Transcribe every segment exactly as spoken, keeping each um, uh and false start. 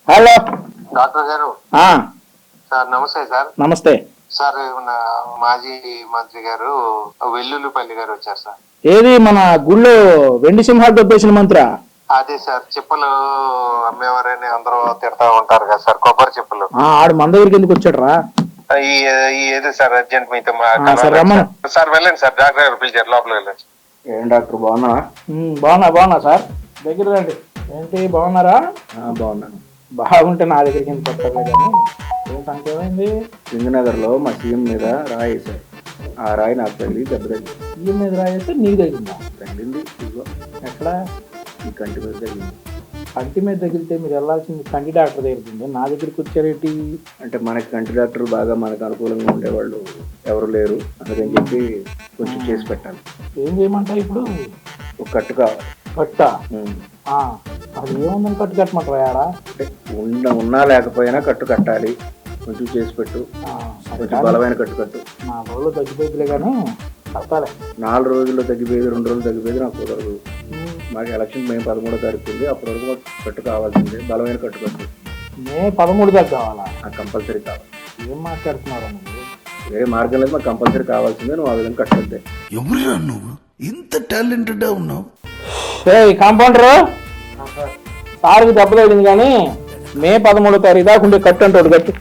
Hello doctor గారు. Sir నమస్తే sir. నమస్తే సార్. మన మాజీ మంత్రి గారు వెల్లుల్లిపల్లి గారు వచ్చారు సార్. ఏది మన గుళ్ళో వెండి సింహాలు దొబ్బేసిన మంత్రి? అదే సార్, చెప్పులు అమ్మేవారని అందరూ తిడతా ఉంటారు కదా సార్, కొబ్బరి చెప్పులు. ఆడు మన దగ్గరికి ఎందుకు వచ్చాడు రా? ఏది సార్ అర్జెంట్ మీతో సార్ వెళ్ళండి సార్, డాక్టర్ గారు పిలిచారు, లోపలికి వెళ్ళండి. ఏం డాక్టర్ బాగున్నా? బాగున్నా బాగున్నా సార్, దగ్గర రండి. ఏంటి బాగున్నారా? బాగున్నాను. బాగుంటే నా దగ్గరికి ఎందుకు వస్తారు కానీ ఏం సంఖ్య ఏమైంది? సింగనగర్ లో మా సీఎం మీద రాయి వేశారు. ఆ రాయి నాకు తగిలి దెబ్బ తగిలింది. సీఎం మీద రాయి వేస్తే నీకు తగిలిందా? తగిలింది. ఇదిగో ఎక్కడ? ఈ కంటి మీద తగిలింది. కంటి మీద తగిలితే మీరు వెళ్ళాల్సింది కంటి డాక్టర్ దగ్గరికి, నా దగ్గరికి వచ్చారేంటి? అంటే మనకి కంటి డాక్టర్ బాగా మనకు అనుకూలంగా ఉండేవాళ్ళు ఎవరు లేరు, అందుకని చెప్పి కొంచెం చేసి పెట్టాలి. ఏం చేయమంటావు ఇప్పుడు? ఒక కట్టు కావాలి. కట్ట? అది ఏముందని కట్టు కట్టమంటారా? అంటే ఉన్న ఉన్నా లేకపోయినా కట్టు కట్టాలి, కొంచెం చేసి పెట్టు. కొంచెం బలమైన కట్టు కట్టు. నాలుగు రోజులు తగ్గిపోయిందిలే కానీ కట్టాలి. నాలుగు రోజుల్లో తగ్గిపోయేది, రెండు రోజులు తగ్గిపోయేది నాకు కుదరదు. మాకు ఎలక్షన్ మే పదమూడో తారీఖు ఉంది, అప్పటి వరకు మాకు కట్టు కావాల్సిందే, బలమైన కట్టు కట్టు. మే పదమూడు దాకా కావాలా? నాకు కంపల్సరీ కావాలి. ఏం మాట్లాడుతున్నారా? వేరే మార్గం లేదు, మాకు కంపల్సరీ కావాల్సిందే. నువ్వు ఆ విధంగా కట్టద్దే. ఎవరు నువ్వు ఇంత టాలెంటెడ్ ఉన్నావు? కాంపౌండర్ సార్కి దెబ్బ తగిలింది కానీ మే పదమూడో తారీఖు దాకా ఉండే కట్టు అంటాడు. కట్టు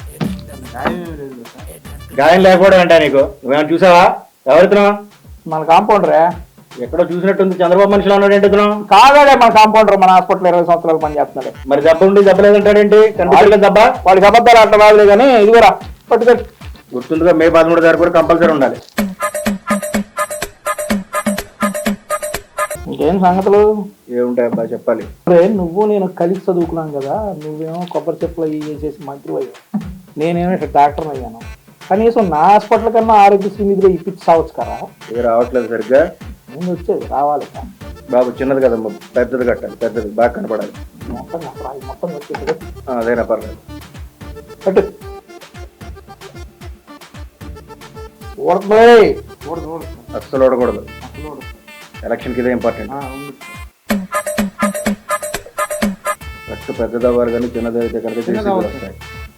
గాయం లేకపోవడం అంటా నీకు? నువ్వేమైనా చూసావా? ఎవరితున్నావు? మన కాంపౌండరే. ఎక్కడో చూసినట్టుంది, చంద్రబాబు మనిషిలో ఉన్నాడు ఏంటి? కాదాడే మన కాంపౌండర్, మన హాస్పిటల్ ఇరవై సంవత్సరాలు పని చేస్తున్నాడు. మరి దెబ్బ ఉండి దెబ్బ లేదంటాడేంటి? కనిపించలేదు దెబ్బ. వాడికి అబద్ధాలు అట్లా బాగలే కానీ ఇదిగోరా పట్టుకట్టు. గుర్తుందిగా, మే పదమూడు తారీఖు కూడా కంపల్సరీ ఉండాలి. ఇంకేం సంగతులు? ఏముంటాయి అబ్బా చెప్పాలి. నువ్వు నేను కలిసి చదువుకున్నాం కదా, నువ్వేమో కొబ్బరి చెప్పులు అవి చేసేసి మంత్రి అయ్యావు, నేనేమో ఇక్కడ డాక్టర్ అయ్యాను. కనీసం నా హాస్పిటల్ కన్నా ఆరోగ్యశ్రీ నిధిలో ఇప్పించి సావచ్చు కదా. ఇది రావట్లేదు సరిగ్గా. నేను వచ్చేది రావాలి బాబు, చిన్నది కదమ్మా, పెద్దది కట్టాలి, పెద్దది బాగా కనపడాలి. మొత్తం మొత్తం వచ్చేది అదేనా పర్లేదు. కట్టు. అస్సలు ఓడకూడదు, ఎలక్షన్కి ఇదే ఇంపార్టెంట్. కట్టు పెద్దది అవ్వాలి కానీ చిన్నది అయితే కనుక జేసీబీలు వస్తాయి.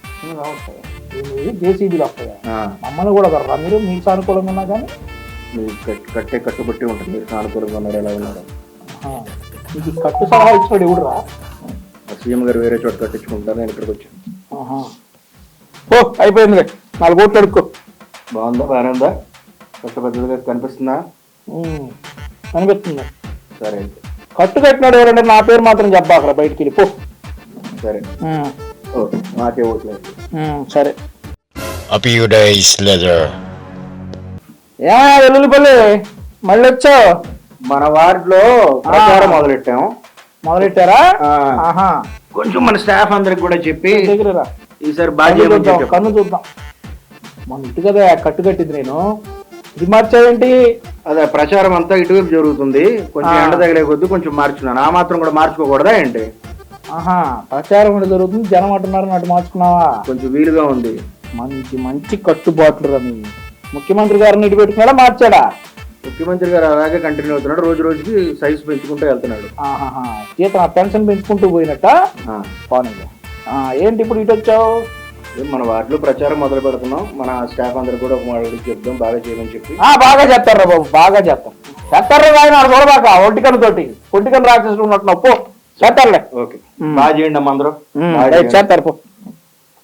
జేసీబీలు వస్తాయి. మమ్మల్ని కూడా కర్రా మీరు, మీకు సానుకూలంగా ఉన్నా కానీ మీరు కట్టే కట్టుబట్టి ఉంటుంది. మీరు సానుకూలంగా ఉన్నారు, ఎలా ఉన్నారు? మీకు కట్టు సలహా ఇచ్చాడు ఎవడు రా? సీఎం గారు వేరే చోట కట్టించుకుంటారు, నేను ఇక్కడికి వచ్చాను. ఓ అయిపోయింది, నాలుగు కోట్లు అడుక్కో. బాగుందా? బాగానే ఉందా? కట్టు పెద్దదిగా కనిపిస్తుందా? అనిపిస్తుంది. సరే అయితే కట్టు కట్టినాడు ఎవరంటే నా పేరు మాత్రం చెప్పా అక్కడ బయటికి వెళ్ళిపో. సరే ఓకే, మాకే ఓట్లేదు. సరే. ఏమయ్యా వెల్లుల్లిపల్లి మళ్ళీ వచ్చావు? మన వార్డులో ప్రచారం మొదలెట్టాము. మొదలెట్టారా? కొంచెం మన స్టాఫ్ అందరికి కూడా చెప్పి దగ్గర ఈసారి బాగా కన్ను చూద్దాం. మన ఇటు కదా కట్టు కట్టింది, నేను ఇది మార్చావేంటి? అదే ప్రచారం అంతా ఇటువైపు జరుగుతుంది, కొంచెం ఎండ తగిలే కొద్ది కొంచెం మార్చుకున్నాను. ఆ మాత్రం కూడా మార్చుకోకూడదా ఏంటి? ఆహా, ప్రచారం కూడా జరుగుతుంది, జనం అంటున్నారు, అటు మార్చుకున్నావా? కొంచెం వీలుగా ఉంది. మంచి మంచి కట్టుబాట్లు రని ముఖ్యమంత్రి గారిని ఇటు పెట్టుకున్నాడా మార్చాడా? ముఖ్యమంత్రి గారు అలాగే కంటిన్యూ అవుతున్నాడు, రోజు రోజుకి సైజు పెంచుకుంటూ వెళ్తున్నాడు. ఆహా, జీతం పెన్షన్ పెంచుకుంటూ పోయినట్ట. పోనీ ఏంటి ఇప్పుడు ఇటు వచ్చావు? మన వార్డులో ప్రచారం మొదలు పెడుతున్నాం, మన స్టాఫ్ అందరు కూడా ఒక మాట చెప్దాం, బాగా చేయమని చెప్పి. బాగా చేస్తారా బాబు, బాగా చేస్తాం. చేస్తారా ఆయన చూడబాక ఒంటికన్ను తోటి ఒంటికన్ను రాక్షసులు ఉన్నట్టు పో చేస్తారులే. ఓకే, బాగా చేయండి అమ్మ అందరూ చేస్తారు పో.